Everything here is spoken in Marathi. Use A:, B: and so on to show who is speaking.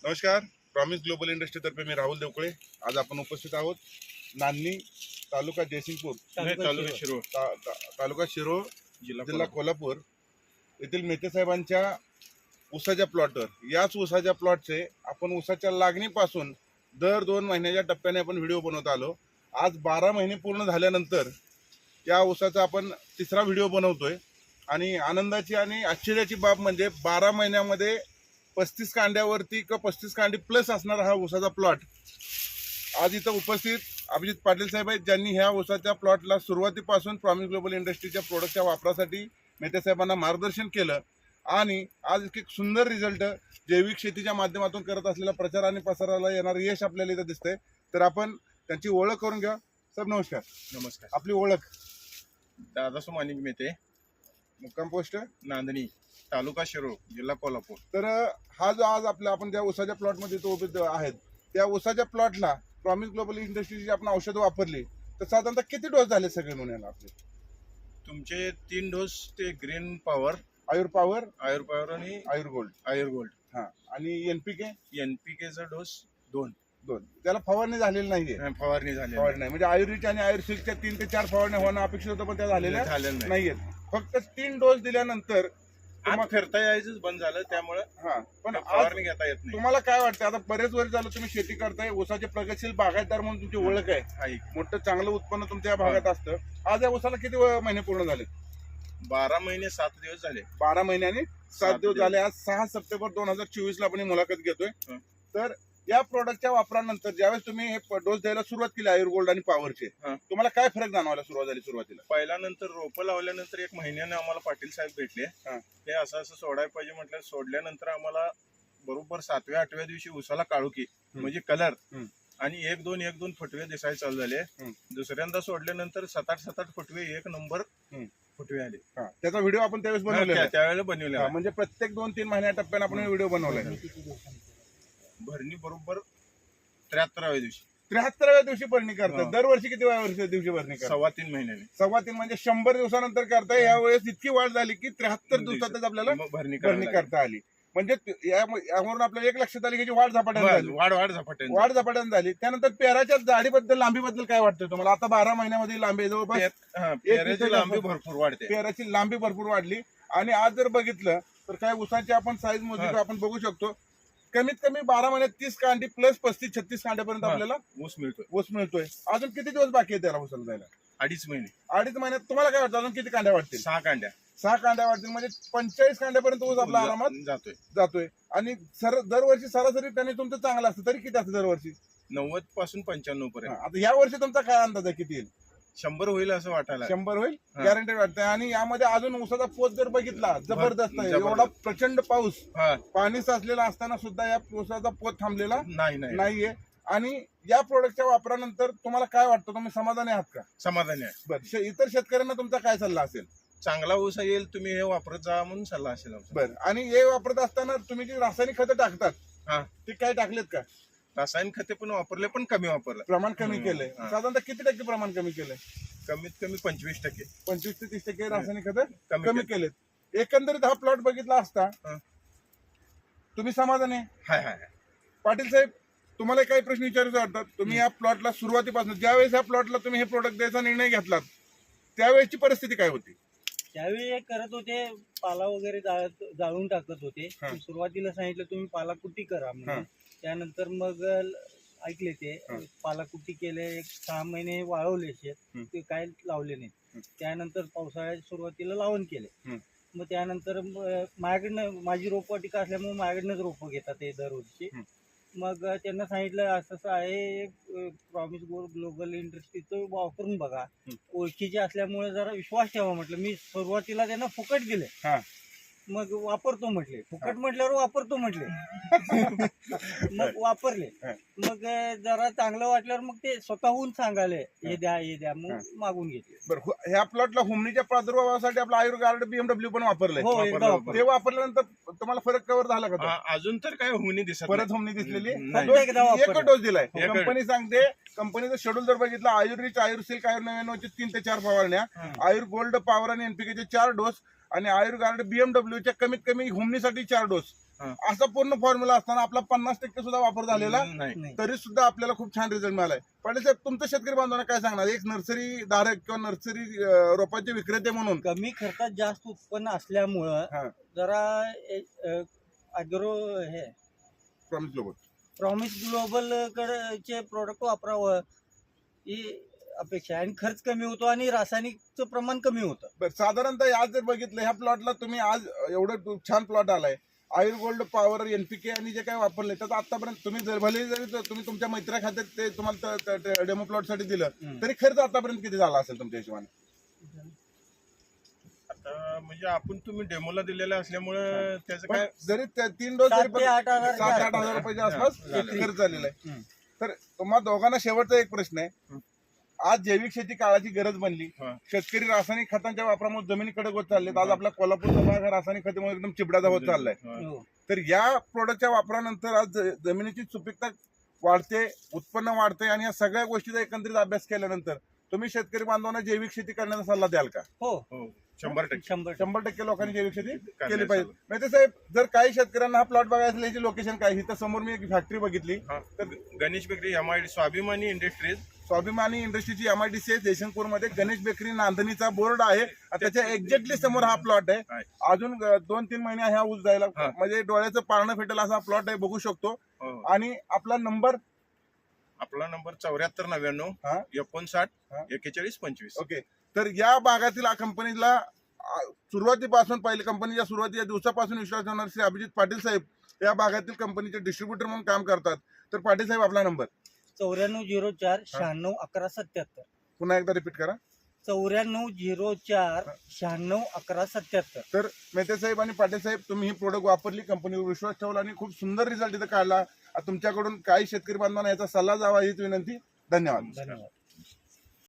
A: नमस्कार. प्रॉमिस ग्लोबल इंडस्ट्रीतर्फे मी राहुल देवकळे. आज आपण उपस्थित आहोत नान्नी, तालुका जयसिंगपूर, तालुका शिरोळ, जिल्हा कोल्हापूर येथील मेहते साहेबांच्या ऊसाच्या प्लॉटवर. याच ऊसाच्या प्लॉटचे आपण ऊसाच्या लागणीपासून दर 2 महिन्याच्या टप्प्याने आपण व्हिडिओ बनवत आलो. आज 12 महिने पूर्ण झाल्यानंतर या ऊसाचा आपण तिसरा व्हिडिओ बनवतोय. आणि आनंदाची आणि आश्चर्याची बाब म्हणजे 12 महिन्यामध्ये 35 कांड्यावरती किंवा 35 कांडी प्लस असणारा हा ऊसाचा प्लॉट. आज इथं उपस्थित अभिजित पाटील साहेब आहेत, ज्यांनी ह्या ऊसाच्या प्लॉटला सुरुवातीपासून प्रॉमिस ग्लोबल इंडस्ट्रीच्या प्रोडक्टच्या वापरासाठी मेहते साहेबांना मार्गदर्शन केलं. आणि आज एक सुंदर रिझल्ट जैविक शेतीच्या माध्यमातून करत असलेला प्रचार आणि प्रसाराला येणारं यश आपल्याला इथं दिसतंय. तर आपण त्यांची ओळख करून घ्या. साहेब नमस्कार.
B: नमस्कार.
A: आपली ओळख?
B: दादा सोमानी मेहते,
A: मुक्काम पोस्ट
B: नांदणी, तालुका शिरोळ, जिल्हा कोल्हापूर.
A: तर हा जो आज आपण ज्या ऊसाच्या प्लॉटमध्ये तो उभे आहेत, त्या ऊसाच्या प्लॉटला प्रॉमिस ग्लोबल इंडस्ट्रीची आपण औषधं वापरली तर साधारणतः किती डोस झाले सगळे मिळून आपले?
B: तुमचे 3 डोस ते ग्रीन पॉवर,
A: आयुर पॉवर
B: आणि
A: आयुर गोल्ड.
B: आयुर गोल्ड.
A: हा, आणि एनपीके
B: एनपीकेचा डोस 2.
A: त्याला फवारणी झालेली नाहीये.
B: फवारणी झाली
A: नाही म्हणजे आयुर्वेद आणि आयुर्सिल्कच्या 3 ते 4 फवारण्या होणं अपेक्षित होतं, पण त्या झालेल्या नाहीयेत. फक्त 3 डोस दिल्यानंतर
B: फिरता यायचंच बंद झालं, त्यामुळे
A: पण
B: फवारणी घेता येत नाही.
A: तुम्हाला काय वाटतं? आता बरेच वर्ष झालं तुम्ही शेती करताय, ऊसाचे प्रगतशील बागायतदार म्हणून तुमची ओळख आहे, मोठं चांगलं उत्पन्न तुमच्या भागात असतं. आज या ऊसाला किती महिने पूर्ण झाले?
B: 12 महिने 7 दिवस झाले.
A: 12 महिने आणि 7 दिवस झाले. आज 6 सप्टेंबर 2024 ला आपण ही मुलाखत घेतोय. तर या प्रोडक्टच्या वापरानंतर ज्यावेळेस तुम्ही हे डोस द्यायला सुरुवात केली आयुर गोल्ड आणि पॉवरचे, तुम्हाला काय फरक जाणवायला सुरुवात झाली? सुरुवातीला
B: पहिल्यानंतर रोपं लावल्यानंतर 1 महिन्याने आम्हाला पाटील साहेब भेटले. हे असं सोडायला पाहिजे म्हटलं. सोडल्यानंतर आम्हाला बरोबर 7व्या-8व्या दिवशी उसाला काळुकी म्हणजे कलर आणि 1-2 फुटवे दिसायला चालू झाले. दुसऱ्यांदा सोडल्यानंतर 7-8 फुटवे 1 नंबर फुटवे आले.
A: त्याचा व्हिडिओ आपण त्यावेळेस बनवला,
B: त्यावेळेला बनवला.
A: म्हणजे प्रत्येक 2-3 महिन्या टप्प्याने आपण व्हिडिओ बनवलाय.
B: भरणी बरोबर 73व्या दिवशी.
A: 73व्या दिवशी भरणी करतात. दरवर्षी किती दिवशी भरणी करतात?
B: 3.25 महिन्याने.
A: 3.25 म्हणजे 100 दिवसानंतर करताय. यावेळेस इतकी वाढ झाली की 73 दिवसातच आपल्याला भरणी करता आली. म्हणजे यावरून आपल्याला एक लक्षात आली की वाढ झपाट्याने झाली. वाढ झपाट्याने झाली. त्यानंतर पेराच्या जाडीबद्दल, लांबीबद्दल काय वाटतं तुम्हाला? आता 12 महिन्यामध्ये लांबी जवळपास
B: पेराची लांबी भरपूर वाढते.
A: पेराची लांबी भरपूर वाढली. आणि आज जर बघितलं तर काय ऊसाची आपण साईज मोजली तर आपण बघू शकतो कमीत कमी 12 महिन्यात 30 कांडी प्लस 35-36 कांड्यापर्यंत आपल्याला
B: ऊस मिळतोय.
A: अजून किती दिवस बाकी आहे त्याला ऊसाला जायला?
B: 2.5 महिने.
A: 2.5 महिन्यात तुम्हाला काय वाटतं अजून किती कांड्या वाटतील?
B: 6 कांड्या.
A: 6 कांड्या वाटतील म्हणजे 45 कांड्यापर्यंत ऊस आपला आरामात जातोय. आणि दरवर्षी सरासरी त्याने तुमचं चांगलं असतं. तरी किती असतं दरवर्षी?
B: 90 पासून 95 पर्यंत.
A: आता या वर्षी तुमचा काय अंदाज आहे किती येईल?
B: 100 होईल असं वाटायला.
A: 100 होईल गॅरंटी वाटतंय. आणि यामध्ये अजून ऊसाचा पोत जर बघितला जबरदस्त आहे. एवढा प्रचंड पाऊस, पाणी साचलेला असताना सुद्धा या ऊसाचा पोत थांबलेला नाहीये. आणि या प्रोडक्टच्या वापरानंतर तुम्हाला काय वाटतं? तुम्ही समाधानी आहात का?
B: समाधानी आहे.
A: बरं, इतर शेतकऱ्यांना तुमचा काय सल्ला असेल?
B: चांगला ऊस येईल, तुम्ही हे वापरत जा म्हणून सल्ला असेल.
A: बरं, आणि हे वापरत असताना तुम्ही जी रासायनिक खतं टाकतात ते काय टाकलेत का?
B: रासायनिक खते पण वापरले, पण कमी वापरलं.
A: प्रमाण कमी केलंय. साधारणतः किती टक्के प्रमाण कमी केलंय?
B: कमीत कमी 25%.
A: 25 ते 30% रासायनिक खतं कमी केलेत. एकंदरीत हा प्लॉट बघितला असता तुम्ही समाधानी आहे? पाटील साहेब, तुम्हाला काही प्रश्न विचारायचे वाटतात? तुम्ही या प्लॉटला सुरुवातीपासून ज्यावेळेस या प्लॉटला तुम्ही हे प्रोडक्ट द्यायचा निर्णय घेतलात त्यावेळेची परिस्थिती काय होती?
C: त्यावेळी करत होते, पाला वगैरे जाळून टाकत होते. सुरुवातीला सांगितलं तुम्ही पाला कुट्टी करा म्हणून. त्यानंतर मग ऐकले ते पालाकुट्टी केले. 6 महिने वाळवले शेत, ते काय लावले नाही. त्यानंतर पावसाळ्याच्या सुरुवातीला लावण केले. मग त्यानंतर माझ्याकडनं, माझी रोपवाटिका असल्यामुळे माझ्याकडनंच रोपं घेतात ते दरवर्षी. मग त्यांना सांगितलं असं आहे, प्रॉमिस ग्लोबल इंडस्ट्रीचं वापरून बघा, ओळखीचे असल्यामुळे जरा विश्वास ठेवा म्हटलं. मी सुरुवातीला त्यांना फुकट दिले, मग वापरतो म्हटले. फुकट म्हटल्यावर वापरतो म्हटले. मग वापरले. मग जरा चांगलं वाटल्यावर मग ते स्वतःहून सांगाले हे द्या मग मागून घेतले.
A: बरं, ह्या प्लॉटला हुमणीच्या प्रादुर्भावासाठी आपलं आयुर गार्ड BMW पण वापरलंय. ते वापरल्यानंतर तुम्हाला फरक कव्हर झाला का?
B: अजून तर काय हुमणी दिसत,
A: परत हुमणी दिसलेली. एकच डोस दिलाय. कंपनी सांगते, कंपनीचं शेड्यूल जर बघितलं, आयुर रिच, आयुर सिल्क, आयुर 99 3 ते 4 फवारण्या, आयुर गोल्ड, पॉवर आणि NPK 4 डोस, आणि आयुर गार्ड BMW च्या कमीत कमी हुमणीसाठी 4 डोस.
B: हा.
A: असा पूर्ण फॉर्म्युला असताना आपला 50% सुद्धा वापर झालेला
B: नाही.
C: नाही.
A: तरी सुद्धा आपल्याला खूप छान रिझल्ट मिळालाय. पाटील साहेब, तुमचं शेतकरी बांधवांना काय सांगणार, एक नर्सरी धारक किंवा नर्सरी रोपांचे विक्रेते म्हणून?
C: कमी खर्चात जास्त उत्पन्न असल्यामुळं
A: हा.
C: जरा अॅग्रो हे
A: प्रॉमिस ग्लोबल
C: प्रॉमिस ग्लोबल कडचे प्रोडक्ट वापरावं ही अपेक्षा आहे. आणि खर्च कमी होतो आणि रासायनिकचं प्रमाण कमी होतं.
A: बरं, साधारणतः आज जर बघितलं ह्या प्लॉटला तुम्ही आज एवढं छान प्लॉट आलाय, आयुर गोल्ड पॉवर एनपीके आणि जे काही वापरले त्याचा आतापर्यंत तुम्ही भले जरी तुम्ही तुमच्या मैत्रा खात्यात ते तुम्हाला डेमो प्लॉट साठी दिलं तरी खर्च आतापर्यंत किती झाला असेल तुमच्या हिशोबाने?
B: आता म्हणजे आपण तुम्ही डेमोला दिलेला असल्यामुळे त्याचं काय
A: जरी 3 डोस
C: 7 ते 8 हजार
A: 7-8 हजार रुपयाच्या आसपास खर्च झालेला आहे. तर तुम्हा दोघांना शेवटचा एक प्रश्न आहे, आज जैविक शेती काळाची गरज बनली,
B: हा.
A: शेतकरी रासायनिक खतांच्या वापरामुळे जमिनी कडक होत चाललेत. आज आपला कोल्हापूरचा भाग हा रासायनिक खतामुळे एकदम चिबडाचा होत चाललाय.
C: हो.
A: तर या प्रोडक्टच्या वापरानंतर आज जमिनीची सुपीकता वाढते, उत्पन्न वाढते आणि या सगळ्या गोष्टीचा एकत्रित अभ्यास केल्यानंतर तुम्ही शेतकरी बांधवांना जैविक शेती करण्याचा सल्ला द्याल का?
C: हो,
B: 100%
A: 100% लोकांनी जैविक शेती केली
B: करण्याचा
A: पाहिजे. मेहते साहेब, जर काही शेतकऱ्यांना हा प्लॉट बघायचा असेल, याची लोकेशन काय? इथं समोर मी एक फॅक्टरी बघितली,
B: हा. Ganesh bakery MID Swabhimani industries
A: Swabhimani इंडस्ट्रीची MIDC जयशंकपूरमध्ये गणेश बेकरी नांदणीचा बोर्ड आहे. त्याच्या एक्झॅक्टली समोर हा प्लॉट आहे.
B: आहे.
A: अजून 2-3 महिने ह्या ऊस जायला
B: हा.
A: म्हणजे डोळ्याचं पारणं फेटेल असा प्लॉट आहे, बघू शकतो.
B: हो.
A: आणि आपला नंबर?
B: आपला नंबर 7499
A: हा.
B: 59
A: हा.
B: 41 25.
A: ओके. तर या भागातील कंपनीला सुरुवातीपासून पहिल्या कंपनीच्या सुरुवातीच्या दिवसापासून विश्वास ठेवणारे श्री अभिजित पाटील साहेब या भागातील कंपनीचे डिस्ट्रीब्युटर म्हणून काम करतात. तर पाटील साहेब, आपला नंबर?
C: 9404 96 11 77.
A: पुन्हा एकदा रिपीट करा.
C: 9404 96 11 77.
A: तर मेहते साहेब आणि पाटील साहेब, तुम्ही ही प्रोडक्ट वापरली, कंपनीवर विश्वास ठेवला आणि खूप सुंदर रिझल्ट इथं काढला. तुमच्याकडून काही शेतकरी बांधवांना याचा सल्ला जावा हीच विनंती. धन्यवाद.
C: धन्यवाद.